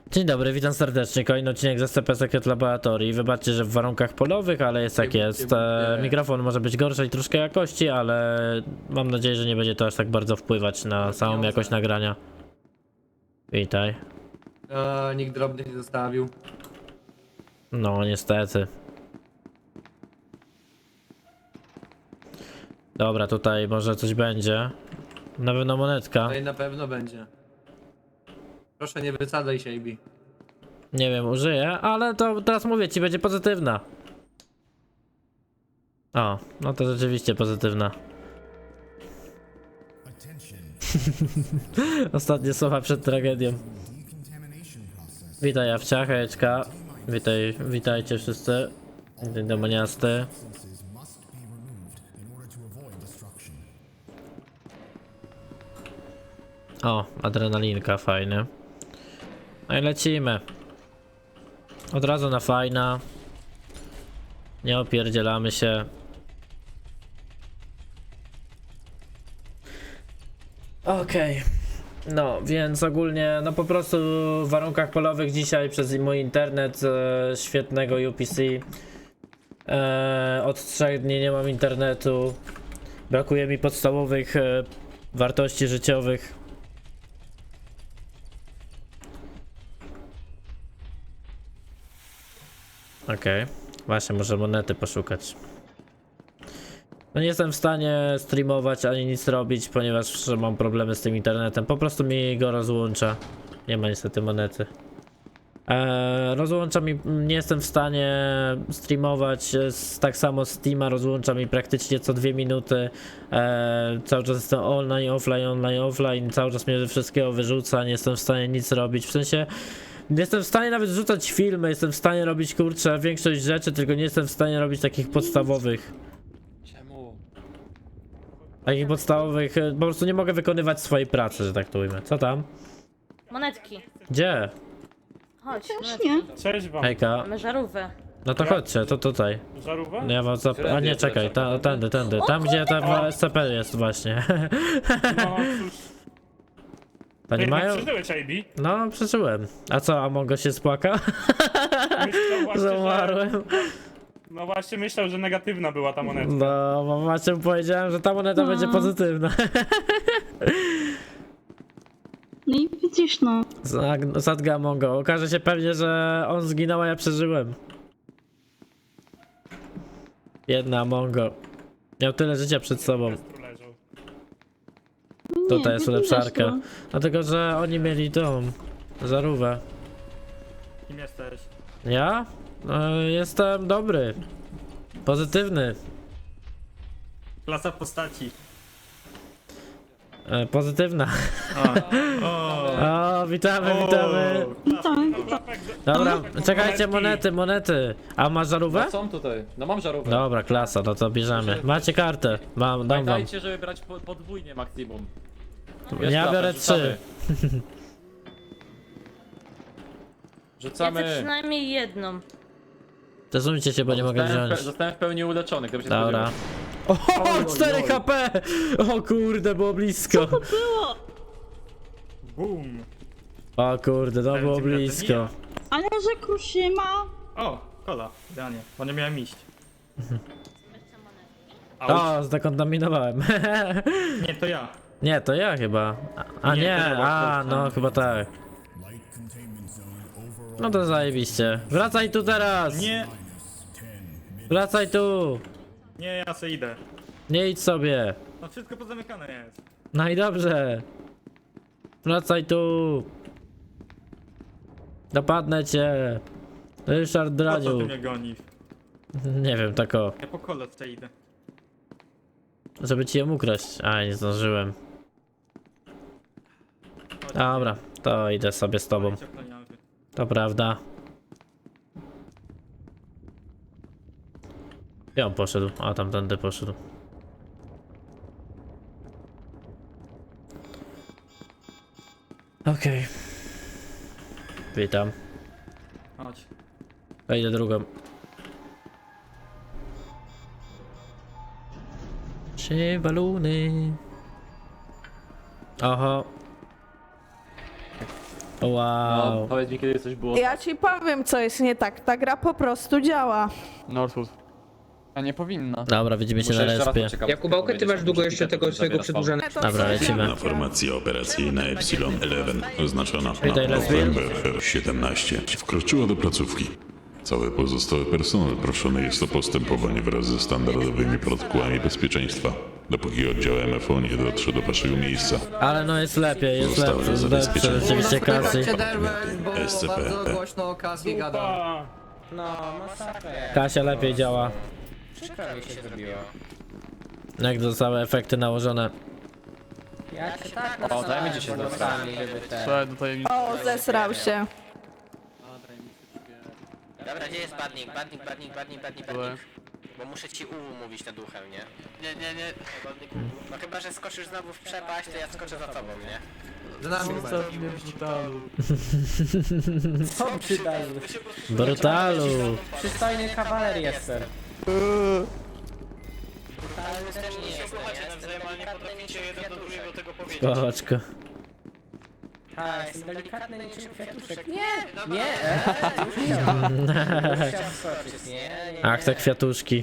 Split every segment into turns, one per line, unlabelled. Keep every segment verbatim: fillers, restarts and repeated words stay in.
Dzień dobry, witam serdecznie. Kolejny odcinek z S C P Secret Laboratory. Wybaczcie, że w warunkach polowych, ale jest jak jest. E, mikrofon może być gorszy i troszkę jakości, ale mam nadzieję, że nie będzie to aż tak bardzo wpływać na samą jakość nagrania. Witaj.
Eee, nikt drobnych nie zostawił.
No, niestety. Dobra, tutaj może coś będzie. Na pewno monetka.
Tutaj na pewno będzie. Proszę nie wysadzaj się, Ibi.
Nie wiem, użyję, ale to teraz mówię ci, będzie pozytywna. O, no to rzeczywiście pozytywna. Ostatnie słowa przed tragedią. Witaj Jawcia, hejeczka. Witaj, witajcie wszyscy. Dzień demoniasty. O, adrenalinka, fajny. No i lecimy. Od razu na fajna. Nie opierdzielamy się. Okej. Okay. No, więc ogólnie, no po prostu w warunkach polowych dzisiaj przez mój internet e, świetnego U P C. E, od trzech dni nie mam internetu. Brakuje mi podstawowych e, wartości życiowych. Okej, okay. Właśnie może monety poszukać. No nie jestem w stanie streamować ani nic robić, ponieważ mam problemy z tym internetem. Po prostu mi go rozłącza. Nie ma niestety monety. Eee, rozłącza mi, nie jestem w stanie streamować, z, tak samo Steama rozłącza mi praktycznie co dwie minuty. Eee, cały czas jestem online, offline, online, offline, cały czas mnie ze wszystkiego wyrzuca, nie jestem w stanie nic robić, w sensie... Jestem w stanie nawet rzucać filmy, jestem w stanie robić kurczę większość rzeczy, tylko nie jestem w stanie robić takich podstawowych.
Czemu?
Takich podstawowych, po prostu nie mogę wykonywać swojej pracy, że tak to ujmę. Co tam?
Monetki.
Gdzie?
Chodź,
Też
monetki.
nie.
Cześć wam.
Hejka.
Mamy żarówkę.
No to chodźcie, to tutaj.
Żarówę?
No ja was zap... A nie, czekaj, ta, tędy, tędy. Tam gdzie ta S C P jest właśnie.
No cóż.
To nie mają?
Przeżyłeś, I B?
No, przeżyłem. A co, a Mongo się spłakał?
Myślał właśnie, że...
Zamarłem.
No właśnie myślał, że negatywna była ta monetka.
No, bo macie powiedziałem, że ta moneta
No.
będzie pozytywna.
No i widzisz, no.
Zag- Zadga Mongo. Okaże się pewnie, że on zginął, a ja przeżyłem. Jedna Mongo. Miał tyle życia przed sobą.
Tu leżał.
Nie,
Tutaj jest
nie
ulepszarka.
widać, no.
Dlatego, że oni mieli tą żarówkę.
Kim jesteś?
Ja? E, jestem dobry. Pozytywny.
Klasa postaci.
E, pozytywna.
O,
O, witamy, witamy.
Witam.
Dobra, czekajcie,
Monetki.
monety, monety. A masz żarówkę?
No są tutaj, no mam żarówkę.
Dobra, klasa, no to bierzemy. Macie kartę. Mam, dam wam.
Pamiętajcie, żeby brać po, podwójnie maksimum. Jest
Ja
klasa,
biorę
rzucamy.
trzy.
Ja chcę
Rzucamy.
przynajmniej jedną.
Przesuńcie się, bo nie mogę
Zostałem w pe-
wziąć.
Zostałem w pełni uleczony, gdyby się
Dobra.
spodziewał.
O, cztery H P! O kurde, było blisko.
boom.
O kurde, to było blisko.
Ale że Kuszyma.
O, kola, idealnie. Bo nie miałem iść.
O, zdekontaminowałem.
Nie, to ja.
Nie, to ja chyba. A, a
Nie,
nie,
to ja,
a no chyba tak. No to zajebiście. Wracaj tu teraz!
Nie,
Wracaj tu!
nie, ja se idę.
Nie idź sobie.
No wszystko pozamykane jest.
No i dobrze. Wracaj tu. Dopadnę cię. Ryszard
Po co ty
Draniu.
mnie gonisz?
Nie wiem, tak o.
Ja po kole se idę.
Żeby ci ją ukraść. A, nie zdążyłem. Dobra, to idę sobie z tobą. To prawda. Gdzie on poszedł? A, tamtędy poszedł. Okej. Okay. Witam.
Chodź.
Wejdę drugą. Trzy baluny. Oho.
No,
Wow.
powiedz mi, kiedy coś było.
Ja ci powiem, co jest nie tak. Ta gra po prostu działa.
Northwood. A nie powinna.
Dobra, widzimy się
Muszę
na
jeszcze raz
respie.
poczekać,
Jakubałkę, ty masz długo jeszcze tego swojego przedłużenia?
Dobra, lecimy.
Główna formacja operacyjna Epsilon jedenaście, oznaczona
Witaj, Leslie.
November siedemnaście, wkroczyła do placówki. Cały pozostały personel proszony jest o postępowanie wraz ze standardowymi protokołami bezpieczeństwa, dopóki oddział M F O nie dotrze do waszego miejsca.
Ale no jest lepiej, jest
Zostały
lepsze, lepsze
zabezpieczone.
rzeczywiście Cassie.
bo
S C P.
bardzo głośno o Cassie gada.
A,
No, masakra.
Kasia lepiej działa.
Przykro mi się zrobiło.
Jak zostały efekty nałożone.
Ja się tak
O, zajmijcie się
nasrałem,
tym.
żeby te...
Co do tajemnicy.
O, zesrał się.
Dobra, gdzie jest badnik? Badnik, badnik, badnik, badnik, badnik. Bo muszę ci uwu mówić nad uchem, nie? Nie, nie, nie. No chyba, że skoczysz znowu w przepaść, to ja skoczę za tobą, nie?
Za nami
Co przydali?
Brutalu.
Przystojny kawaler jestem.
Spoczko.
A, jestem delikatny niczym kwiatuszek. Nie! Nie! Eee, już chciałem. Już chciałem skoczyć, nie? nie.
Ach, te kwiatuszki.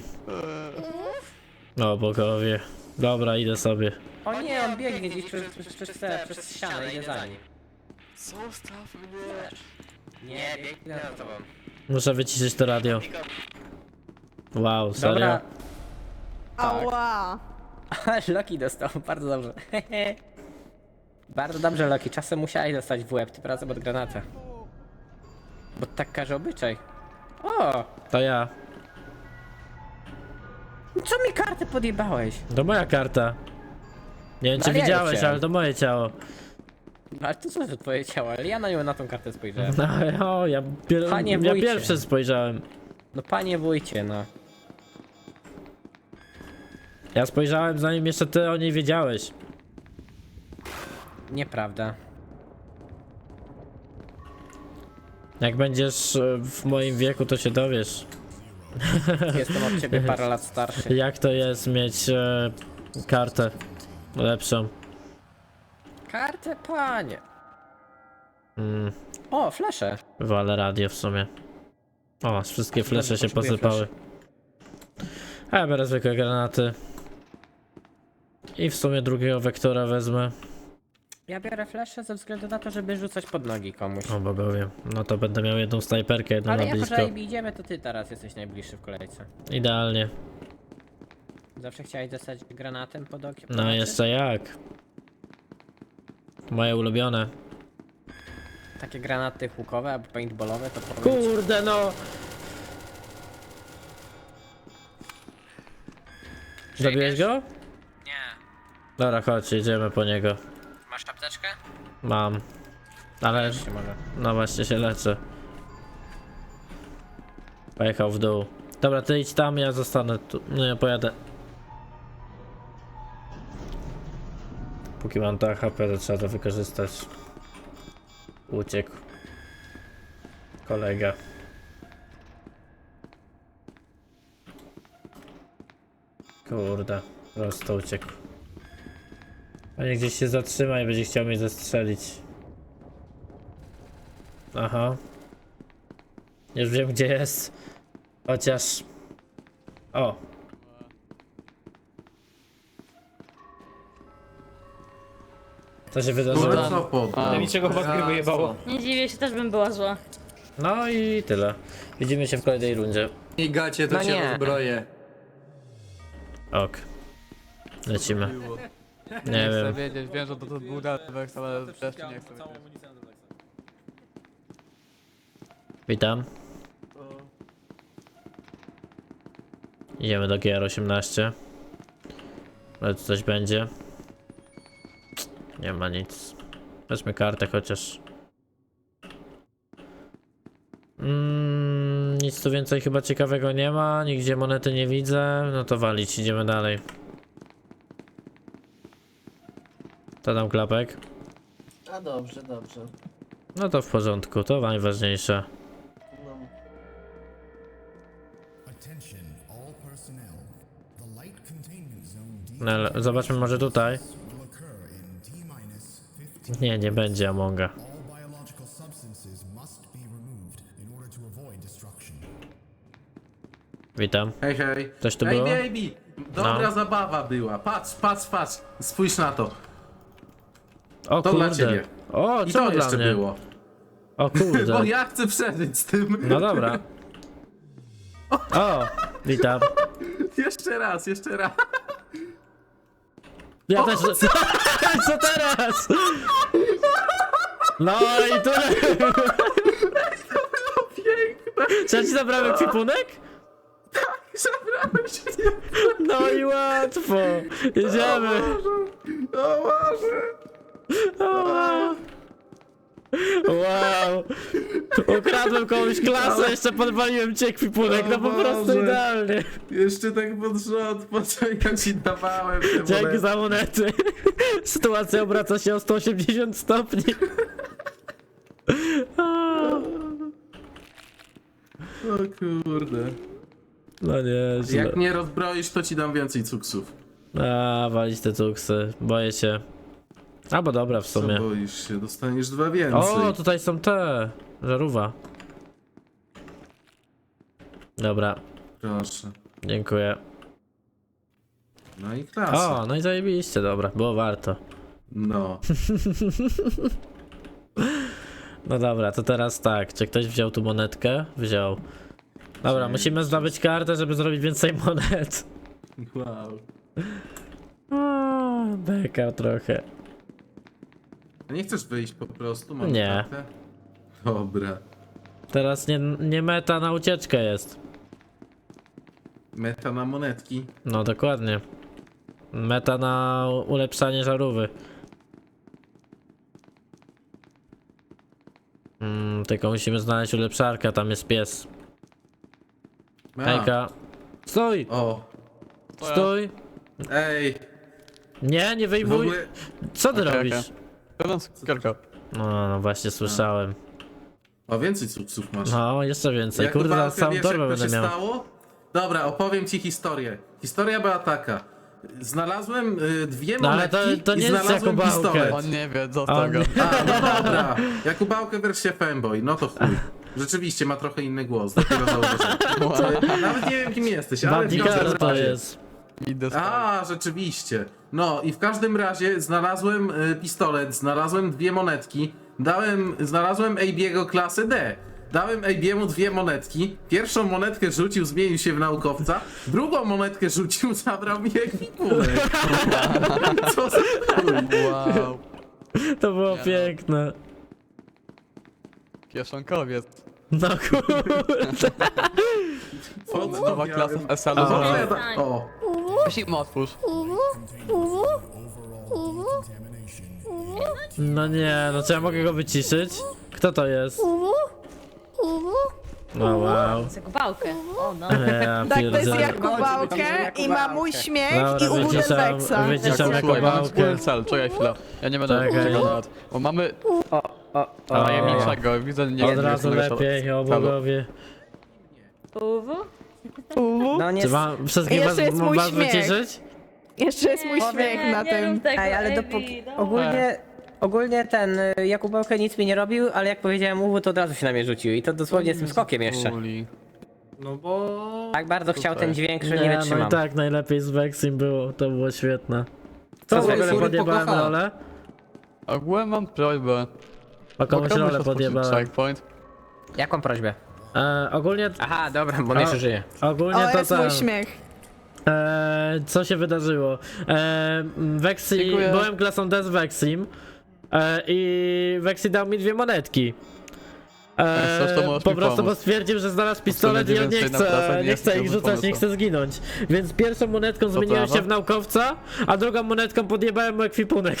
O bogowie. Dobra, idę sobie.
O nie, on biegnie gdzieś przez, przez, przez, te, przez ścianę, idę za nim.
Zostaw mnie.
Nie,
Biegnę za tobą.
Muszę wyciszyć to radio. Wow, serio?
Dobra.
Ała.
Loki dostał, bardzo dobrze. Bardzo dobrze, Loki. Czasem musiałeś dostać w łeb, tym razem od granata. Bo tak każe obyczaj. O!
To ja.
Co mi kartę podjebałeś?
To moja karta. Nie wiem czy
Ale ja
widziałeś,
chciałem.
ale to moje ciało.
Ale to co za twoje ciało? Ale ja na nią na tą kartę spojrzałem.
No, o, ja, pier
Panie
ja
wójcie.
pierwszy spojrzałem.
No panie wójcie, no.
Ja spojrzałem zanim jeszcze ty o niej wiedziałeś.
Nieprawda.
Jak będziesz e, w moim wieku, to się dowiesz.
Jestem od ciebie parę lat starszy.
Jak to jest mieć e, kartę lepszą.
Kartę, panie.
Mm,
O, flesze.
walę radio w sumie. O, wszystkie flesze się
potrzebuję
posypały. A ja biorę zwykłe granaty. I w sumie drugiego wektora wezmę.
Ja biorę flesze ze względu na to, żeby rzucać pod nogi komuś.
O bogowie. No to będę miał jedną snajperkę, jedną
Ale
na
jako,
blisko.
że Ejbi idziemy, to ty teraz jesteś najbliższy w kolejce.
Idealnie.
Zawsze chciałeś dostać granatem pod okiem?
No jeszcze jak. Moje ulubione.
Takie granaty hukowe albo paintballowe to powiem ci-
Kurde no! Zabiłeś go?
Nie.
Dobra, chodź, jedziemy po niego.
Masz apteczkę?
Mam. Ale
Jeszcze może.
no właśnie się leczę. Pojechał w dół. Dobra, ty idź tam, ja zostanę tu. No ja pojadę. Póki mam to H P, to trzeba to wykorzystać. Uciekł. Kolega. Kurde, prosto uciekł. Panie gdzieś się zatrzyma i będzie chciał mnie zastrzelić. Aha. Już wiem gdzie jest. Chociaż... O. Co się wydarzyło?
niczego was gry wyjebało.
Nie dziwię się, też bym była zła.
No i tyle. Widzimy się w kolejnej rundzie.
I gacie, to
No
cię
nie.
rozbroję.
Ok. Lecimy. Nie
Chcę
wiem.
wiedzieć, wiem, że to, to był Delvex, ale też nie chcę wiedzieć.
Witam. Idziemy do G R osiemnaście. Ale tu coś będzie. Nie ma nic. Weźmy kartę chociaż. Mm, nic tu więcej chyba ciekawego nie ma. Nigdzie monety nie widzę. No to walić, idziemy dalej. To dam klapek.
A dobrze, dobrze.
No to w porządku, to najważniejsze. No, ale zobaczmy może tutaj. Nie, nie będzie Amonga. Witam.
Hej, hej.
Coś tu
Ej,
było?
baby! Dobra
No.
zabawa była. Patrz, patrz, patrz. Spójrz na to.
O
To dla
kurde.
ciebie.
O,
I
co
to
dla
jeszcze
mnie?
było.
O kurde.
Bo ja chcę przeżyć z tym.
No dobra. O, witam.
Jeszcze raz, jeszcze raz.
Ja też. Co teraz? No i tyle.
Piękne.
Czy ja ci zabrałem ekwipunek?
Zabrałeś mnie.
No i łatwo. Jedziemy.
O Boże.
Wow. Ukradłem komuś klasę, jeszcze podwaliłem ci ekwipunek, no po
O
prostu
Boże.
idealnie.
Jeszcze tak pod rząd, po co ja ci dawałem te
Dzięki
monety.
za monety. Sytuacja obraca się o sto osiemdziesiąt stopni.
O kurde.
No nieźle.
Jak mnie rozbroisz, to ci dam więcej cuksów.
A, walić te cuksy, boję się. Albo dobra w
Co
sumie.
boisz się? Dostaniesz dwa więcej.
O, tutaj są te. Żarówka. Dobra,
Proszę.
dziękuję.
No i klasa.
O, no i zajebiście, dobra, było warto.
No.
No dobra, to teraz tak, czy ktoś wziął tu monetkę? Wziął. Dobra, musimy zdobyć kartę, żeby zrobić więcej monet.
Wow.
O, beka trochę.
A nie chcesz wyjść po prostu? Mam
Nie.
kartę? Dobra.
Teraz nie, nie meta na ucieczkę jest.
Meta na monetki.
No dokładnie. Meta na ulepszanie żarówy. Mm, tylko musimy znaleźć ulepszarkę, tam jest pies.
A.
Hejka. Stój!
O.
Stój!
Ej.
Nie, nie
W
wyjmuj!
ogóle...
Co ty
Okej,
robisz?
okej. Pełna cukierka.
No, no właśnie słyszałem.
O, więcej cuksów masz.
No, jeszcze więcej.
Jak
Kurde,
Kubałkę
na całą
wiesz,
torbę
jak to
będę
się
miał.
stało? Dobra, opowiem ci historię. Historia była taka. Znalazłem y, dwie
No, ale
monetki
to- to
i
nie jest
znalazłem
Jakubałkę.
pistolet.
On nie wie, co z
On-
tego.
A, no dobra. Jakubałkę wersja fanboy, no to chuj. Rzeczywiście ma trochę inny głos, dopiero zauważyłem. Nawet nie wiem kim jesteś, ale w
Bandikara
każdym
to
razie.
jest.
Idę stąd.
A, rzeczywiście. No i w każdym razie znalazłem y, pistolet, znalazłem dwie monetki, dałem, znalazłem A B'ego klasy D. Dałem A B'emu dwie monetki. Pierwszą monetkę rzucił, zmienił się w naukowca. Drugą monetkę rzucił, zabrał mi ekwipunek. Co za chuj.
Wow.
To było
Nie no.
piękne.
Kieszonkowiec.
No kurde.
Co
Nowa
ja
klasa
wiem.
w S L.
A,
Aha.
w ogóle ta- O,
Weź im otwórz.
No nie, no czy ja mogę go wyciszyć? Kto to jest? No wow.
Zakupałkę. O no.
Ja
Tak, to jest
pierdzielę.
Jakubałkę i ma mój śmiech i
Dobra,
u
wyciszam,
Weksa.
wyciszam
Słuchaj, mamy
Jakubałkę.
wspólny cel, czekaj chwilę. Ja nie będę
Czekaj.
czekał nawet. Bo mamy
O, o, o.
tajemniczego, widzę nie
Od razu lepiej, o bogowie.
Uwu.
No nie.
Czy mam wszystkich was,
Jeszcze jest mój
was
śmiech.
wyciszyć?
Jeszcze jest mój śmiech na tym.
Ej, ale dopóki... Ogólnie... Ogólnie ten y, Jakubałkę nic mi nie robił, ale jak powiedziałem uwu, to od razu się na mnie rzucił i to dosłownie z tym skokiem jeszcze.
Uli.
no bo...
Tak bardzo chciał ten dźwięk, że nie
Nie, no
wytrzymam.
i tak najlepiej z Vexim było, to było świetne. Co
Co
w
z
ogóle
Vexim?
podjebałem rolę?
Ogólnie mam prośbę.
O komuś
Mogę
rolę
otworzyć
podjebałem.
checkpoint?
Jaką prośbę?
E, ogólnie,
Aha, dobra, bo on
O.
jeszcze żyje.
ogólnie
O,
to
jest mój
tam.
śmiech.
E, co się wydarzyło? E, Vexi,
Dziękuję.
byłem klasą D z Vexim e, i Vexi dał mi dwie monetki. E,
Jak chcesz, to możesz
po
mi
prostu
pomóc.
bo stwierdził, że znalazł pistolet i
będzie
on nie
więcej na pracę,
chce,
nie
nie
jest
chce ich
dobry
rzucać, nie
pomysł.
chce zginąć. Więc pierwszą monetką zmieniłem
prawa?
się w naukowca, a drugą monetką podjebałem mu ekwipunek.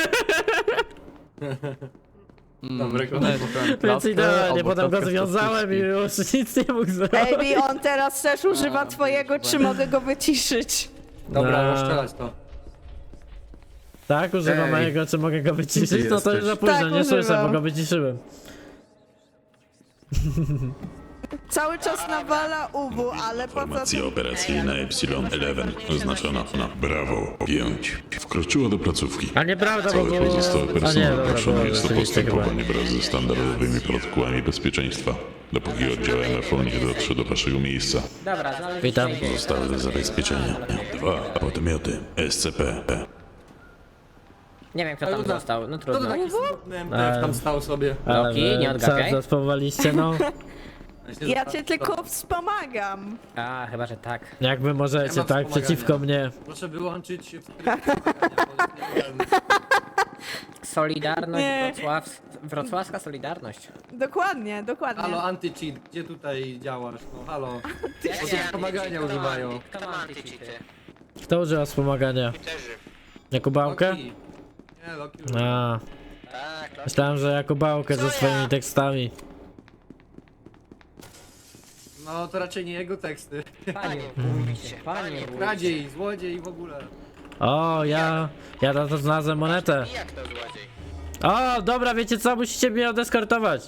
Dobry
Więc idealnie, potem go związałem i już nic nie mógł zrobić.
Ej, on teraz też używa twojego, czy mogę go wyciszyć?
Dobra,
No.
rozstrzelać to. Tak, używam
Ej,
mojego, czy mogę go wyciszyć?
ty
No to już
jesteś?
za późno,
Tak,
nie słyszę,
używam.
bo go wyciszyłem.
Cały czas nawala U W, ale poza
Formacja
tym...
operacyjna Epsilon jedenaście oznaczona na Brawo pięć wkroczyła do placówki.
A nieprawda, bo
Cały
było...
pozostały
A nie,
personel
dobra,
proszony
było
jest o
rzeczywiście chyba.
postępowanie wraz ze standardowymi protokołami bezpieczeństwa, dopóki oddział M F O nie dotrze do waszego miejsca.
Dobra, znaleźliśmy
Witam.
idea.
Zostały do zabezpieczenia dwa podmioty S C P.
Nie wiem kto tam został, no trudno.
Ale,
Tam stał sobie.
ale
Loki, nie
wy
odgapiaj.
co zaspawowaliście, no?
Ja cię tylko wspomagam.
A, chyba, że tak.
Jak wy możecie,
Nie ma
tak? Przeciwko mnie.
Proszę wyłączyć
Solidarność
Nie.
Wrocław... Wrocławska Solidarność.
Dokładnie, dokładnie.
Halo, anti-cheat, gdzie tutaj działasz? No halo.
Jak
Bo
się
tu wspomagania używają.
Kto ma antycheaty?
Kto używa wspomagania? Jakubałkę?
Loki. Nie, Loki.
A,
Tak, Loki.
myślałem, że Jakubałkę ze swoimi tekstami.
No to raczej nie jego teksty.
Panie wójcie, panie wójcie.
Kradziej, złodziej i w ogóle.
O, ja... Ja na to znalazłem monetę.
I jak to złodziej?
O, dobra, wiecie co? Musicie mnie odeskortować.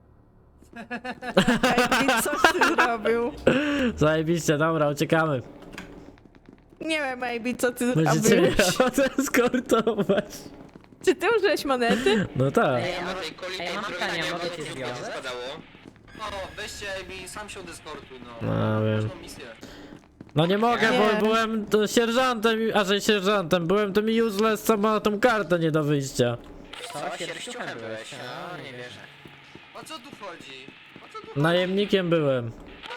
Ej, coś ty zrobił?
Zajebiście, dobra, uciekamy.
Nie wiem, maybe, co ty
Musicie mnie
zrobiłeś.
odeskortować.
Czy ty użyłeś monety?
No tak.
Ej, a może koli
Ej,
tej
mam
drogi
pytanie,
nie
mogę
mogę
cię
się
związać?
składało?
No, weźcie i sam się dyskortuj, no.
No wiem.
Ważną misję.
No nie mogę,
Nie.
bo byłem to sierżantem, a że sierżantem, byłem tym useless, co ma tą kartę nie do wyjścia.
Co, sierściuchem byłeś? A, nie wierzę.
O co tu chodzi? O co tu
Najemnikiem byłem.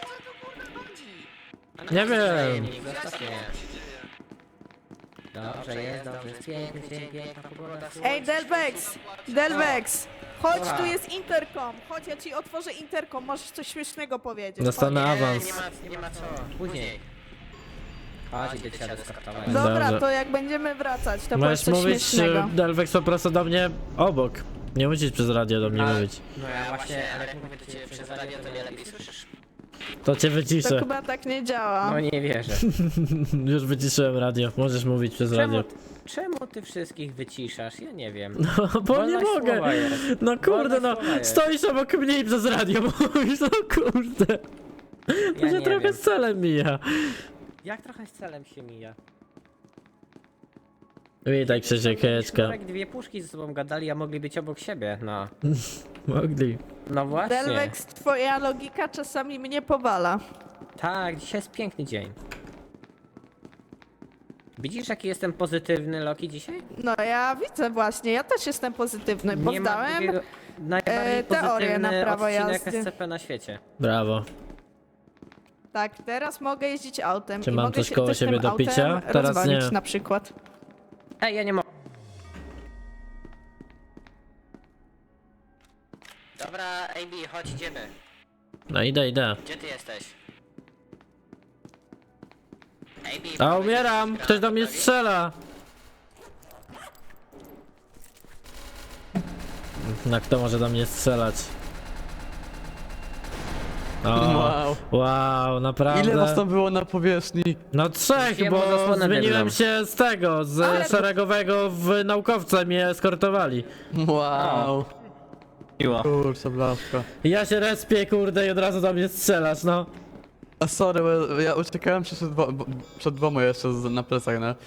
chodzi?
Nie wiem.
Zostaw mnie.
Dobrze jest, dobrze jest, piękny dzień, piękna pogoda.
Ej, Delvex! Delvex! Chodź, tu jest interkom. Chodź, ja ci otworzę interkom, możesz coś śmiesznego powiedzieć.
Dostanę
Nie,
awans.
nie ma, nie ma co.
Później. Chodź, idę cię deskartować.
Chodź. Dobra,
Dobrze.
to jak będziemy wracać, to powiedz
Możesz
coś
mówić
śmiesznego.
e, Delvex po prostu do mnie obok. Nie musisz przez radio do mnie
Ale-
mówić.
No ja właśnie, ale jak mówię
Mówię do ciebie przez radio, to nie lepiej słyszysz.
To cię
To
wyciszę.
chyba tak nie działa.
No nie wierzę.
Już wyciszyłem radio. Możesz mówić przez
Czemu,
radio.
czemu ty wszystkich wyciszasz? Ja nie wiem.
No bo nie
Wolność
mogę.
słowa jest.
No kurde,
Wolność
no
słowa jest.
stoisz obok mnie i przez radio mówisz, no kurde. To
Ja
się
nie
trochę
wiem.
z celem mija.
Jak trochę z celem się mija.
Witaj Krzysiek, hejeczka.
Jak dwie puszki ze sobą gadali, a mogli być obok siebie, no.
Mogli.
No właśnie.
Delvex, twoja logika czasami mnie powala.
Tak, dzisiaj jest piękny dzień. Widzisz, jaki jestem pozytywny, Loki, dzisiaj?
No ja widzę właśnie, ja też jestem pozytywny, bo
Nie ma
zdałem...
drugiego, najbardziej
e, teorię
pozytywny
na prawo
odcinek
jazdy.
S C P na świecie.
Brawo.
Tak, teraz mogę jeździć autem
Czy
i
mam
mogę
coś
się
koło
też
siebie
tym
do picia?
autem
Teraz
rozwalić
nie.
na przykład.
Ej, ja nie mogę.
Dobra, A B, chodź, idziemy.
No idę, idę.
Gdzie ty jesteś? A B,
A umieram! Ktoś do mnie strzela! No kto może do mnie strzelać? O,
Wow.
wow, naprawdę.
Ile was tam było na powierzchni?
No trzech,
Rzuciłem
bo
mu zasłonę
zmieniłem
dymną.
się z tego, z
Ale-
szeregowego w naukowca, mnie eskortowali.
Wow.
Miło.
Kurczę, blaszka.
I ja się respię, kurde, i od razu do mnie strzelasz, no.
A sorry, bo ja uciekałem przed, dwo, bo- przed dwoma jeszcze z, na plecach, no.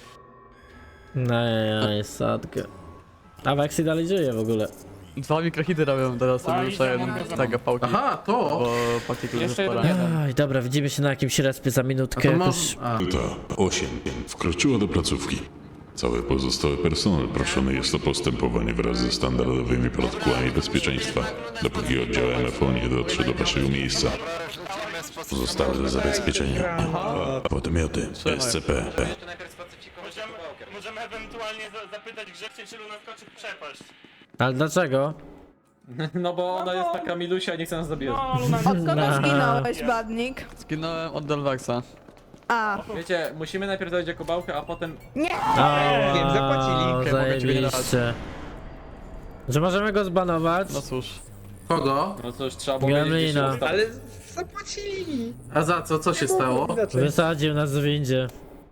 Nej, sadkę. A Vexy dalej żyje w ogóle.
Dwa mikrohity robią teraz,
A,
sobie
i
muszę
zamówię
jeden
za
tego pałki,
Aha, to!
bo partikul
Jeszcze
jest
jeden
spora.
jeden.
Aj, dobra, widzimy się na jakimś respie za
A
minutkę.
to
jakoś.
może... A.
Ta osiem wkroczyła do placówki. Cały pozostały personel proszony jest o postępowanie wraz ze standardowymi protokołami bezpieczeństwa, dopóki oddział M F O nie dotrze do waszego miejsca. Zostały do zabezpieczenia dwa podmioty S C P.
To najpierw spacyfikować
Możemy,
kawałkiem.
możemy ewentualnie za, zapytać Grzegcie, czy Luna skoczy w przepaść.
Ale dlaczego?
No bo ona jest taka milusia, nie chce nas zabijać.
No, Luna...
Od kogo
No.
zginąłeś, Badnik?
Zginąłem od Delvexa.
A,
Wiecie, musimy najpierw dojść do Kubałkę, a potem...
nie!
O,
Wiem, zapłacili.
zajebiście. Że możemy go zbanować?
No cóż.
Kogo?
No cóż, trzeba było wiedzieć, gdzie się
Gremlina.
ustawić.
A za co? Co się stało?
Wysadził nas w windzie.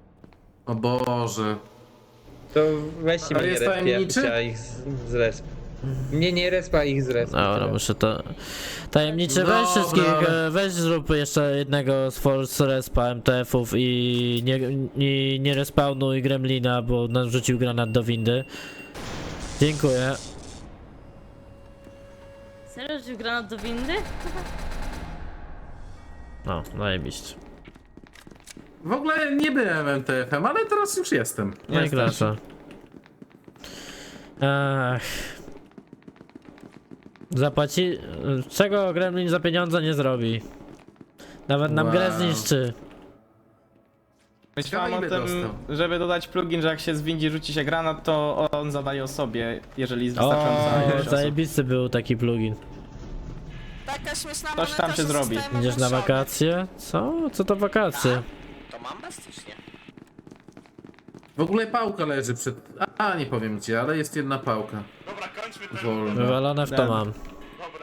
O Boże.
To weźcie
Ale
mnie
jest
respie, ja
tajemniczy?
chciała ich z, z resp.
Nie, nie respa ich z respa.
Dobra, muszę to... Tajemniczy, weź
Dobra.
wszystkich, e, weź zrób jeszcze jednego z Force Respa M T F-ów i nie, i nie respawnuj Gremlina, bo narzucił granat do windy. Dziękuję.
Serio, że granat do windy?
No, najebiście.
W ogóle nie byłem M T F-em, ale teraz już jestem.
No i proszę. Ech. Zapłaci... Czego Gremlin za pieniądze nie zrobi? Nawet nam
Wow.
grę zniszczy.
Myślałem o
Ciekawe, ile
tym,
dostał.
żeby dodać plugin, że jak się z windzie rzuci się granat, to on zadaje osobie, jeżeli jest wystarczająca
O,
ilość osób.
zajebisty był taki plugin.
Taka śmieszna
Coś tam
moneta,
się
że
zrobi.
zostałem
Idziesz na
ogłoszona.
wakacje? Co? Co to wakacje?
To mam bastycznie.
W ogóle pałka leży przed... A, nie powiem gdzie, ale jest jedna pałka.
Dobra, kończmy ten...
Wolna.
Wywalone w to
Dobra.
mam.
Dobra.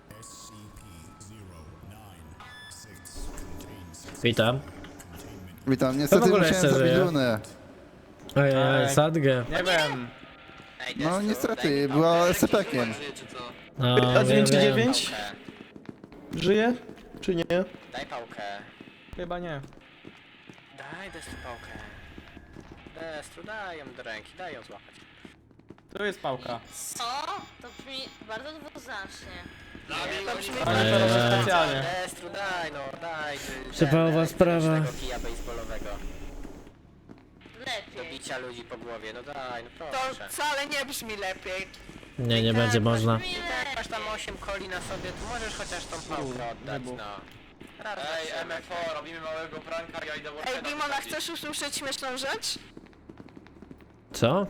Witam.
Witam,
w
niestety
ogóle
musiałem
jeszcze
zabić
żyje?
Lunę.
Ojej,
Ej.
sadgę.
Nie wiem.
Ej,
No
Destru,
niestety,
daj mi
była
pałkę.
S C P-kiem.
No,
A
wiem,
dziewięć
wiem.
dziewięć?
Pałkę.
Żyje? Czy nie?
Daj pałkę.
Chyba nie.
Daj Destru pałkę. Destru, daj ją do ręki, daj ją złapać.
Tu jest pałka.
Co? To brzmi bardzo dwuznacznie.
Ale to robię
Eee.
specjalnie.
Destru, daj no, daj. ty,
Przypałowa
ten,
sprawa.
elektrycznego kija baseballowego. Do
Lepiej.
bicia ludzi po głowie, no daj, no
To
proszę.
wcale nie brzmi lepiej.
Nie, nie będzie można.
Brzmi
Jak masz
lepiej.
tam osiem coli na sobie, to możesz chociaż tą pałkę oddać,
nie było.
no. Ej, M F O, robimy małego pranka, ja idę
Ej, Dimona, chcesz usłyszeć śmieszną rzecz?
Co?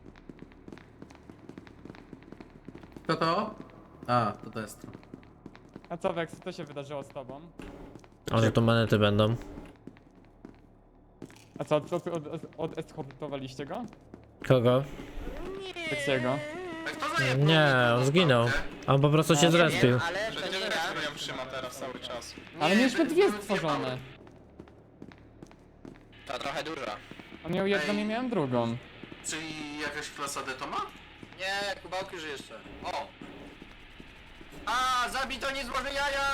Kto to? A, to Destro.
A co, Vex, co się wydarzyło z tobą?
O, że tu monety będą.
A co, co od, od eskortowaliście go?
Kogo?
Vexiego?
Nie, on zginął. On po prostu się zrespił.
Ale to nie ja.
Ale mieliśmy dwie stworzone.
To trochę dużo.
On miał jedną i miałem drugą.
Czyli jakaś klasa D to ma?
Nie, kubałki już jeszcze. O! A, zabij to nie złoży jaja!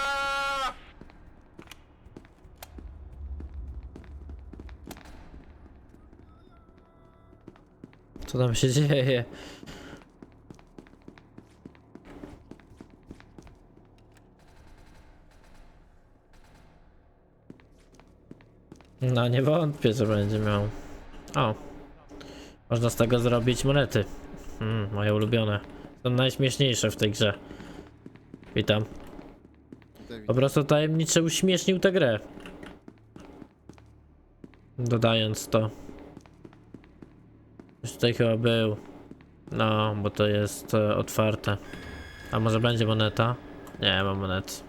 Co tam się dzieje? No nie wątpię, że będzie miał. O. Można z tego zrobić monety. Mm, moje ulubione. Są najśmieszniejsze w tej grze. Witam. Po prostu tajemniczy uśmiesznił tę grę. Dodając to. Już tutaj chyba był. No, bo to jest e, otwarte. A może będzie moneta? Nie, mam monet.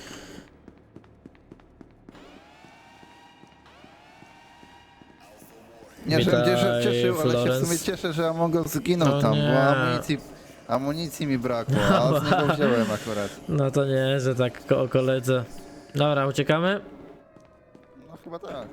Nie,
Witaj,
że się cieszył, ale się w
Florence.
sumie cieszę, że Among Us zginął
No
tam,
nie.
bo amunicji, amunicji mi brakło, a z niego wziąłem akurat.
No to nie, że tak ko- o koledze. Dobra, uciekamy?
No chyba tak.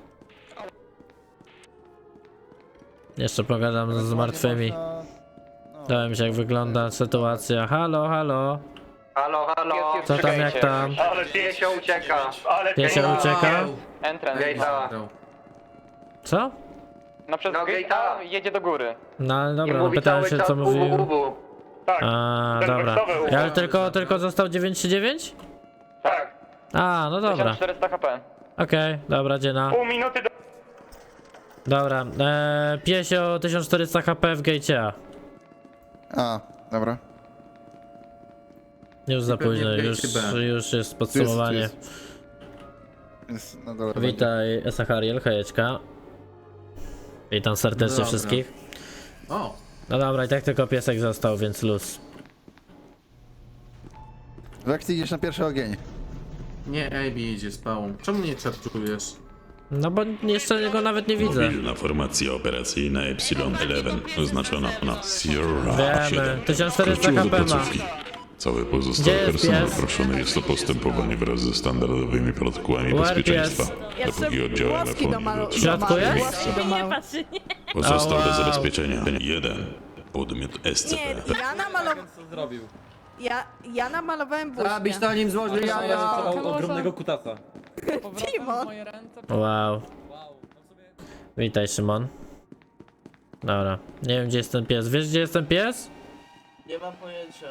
Jeszcze pogadam z
Ewentualnie
martwymi.
można- no.
Dałem się jak wygląda sytuacja. Halo, halo.
Halo, halo.
Co tam, jak tam?
Ale
Piesio ucieka.
Ale
Piesio ucieka?
Entrance.
Gate'a.
Co?
No przez
No, gate'a.
jedzie do góry.
No ale
I
dobra, no
mówi
pytałem
cały
się
czas
co mówił.
uwu, uwu.
Tak,
A,
ten
dobra.
wersowy
Ja, ale
uważam,
tylko,
że-
tylko został dziewięćset trzydzieści dziewięć?
tak.
A, no dobra.
czterysta H P.
Okej, dobra, dziena.
Pół minuty do...
Dobra, eee, Piesio tysiąc czterysta H P w gate A.
A, dobra.
Już za
Pewnie
późno,
w
już,
gate B.
już jest
Tu jest, tu
podsumowanie.
jest. Jest na dole.
Witaj, Esachariel, hejeczka. Witam serdecznie
Dobra.
wszystkich.
O!
No dobra, i tak tylko piesek został, więc luz.
Jak ty idziesz na pierwszy ogień?
Nie, A B idzie z pałą. Czemu nie czarczujesz?
No bo jeszcze go nawet nie widzę.
Mobilna formacja operacyjna Epsilon jeden oznaczona na Sierra
Wiemy,
siedem.
tysiąc czterysta
Wkroczyła do
H P ma.
placówki. Cały pozostały
Gdzie jest
personel
pies?
proszony jest o postępowanie wraz ze standardowymi protokołami
Where
bezpieczeństwa.
Ja
Dopóki
chcę
oddział
włoski do
M F O nie
malu-
dotrze
W środku
do
jest?
miejsca.
do
Nie
malu.
patrzy, nie.
Pozostał
O,
do
wow.
zabezpieczenia jeden. podmiot S C
Nie,
P.
ja namalowałem...
Co zrobił?
Ja, ja namalowałem buźkę.
Zabić to nim złoży jaja!
O, ogromnego kutasa.
Timon!
Wow. Witaj, Szymon. Dobra. Nie wiem, gdzie jest ten pies. Wiesz, gdzie jest ten pies?
Nie mam pojęcia.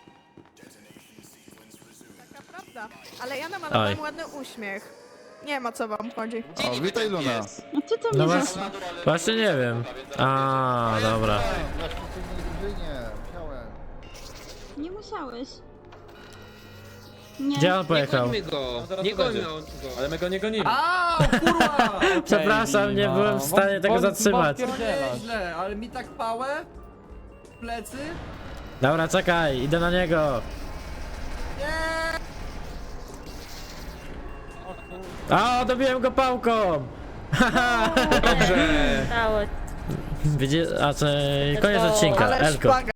Taka prawda. Ale ja namalowałem
Oj.
ładny uśmiech. Nie wiem, o co wam chodzi.
O, witaj Luna.
No ty to
No
mi
właśnie, właśnie nie wiem. A, dobra.
Nie musiałeś. Nie.
Gdzie on pojechał?
go!
zaraz
Nie
tu
gońmy
będzie.
go!
Ale my go nie gonimy.
Au, kurwa!
Przepraszam, nie byłem w stanie tego zatrzymać.
Nieźle, ale mi tak pałę? W plecy?
Dobra, czekaj, idę na niego. A, dobiłem go pałką!
Dało.
Widzisz, a czy koniec odcinka,
Ale
Elko.
szpaga.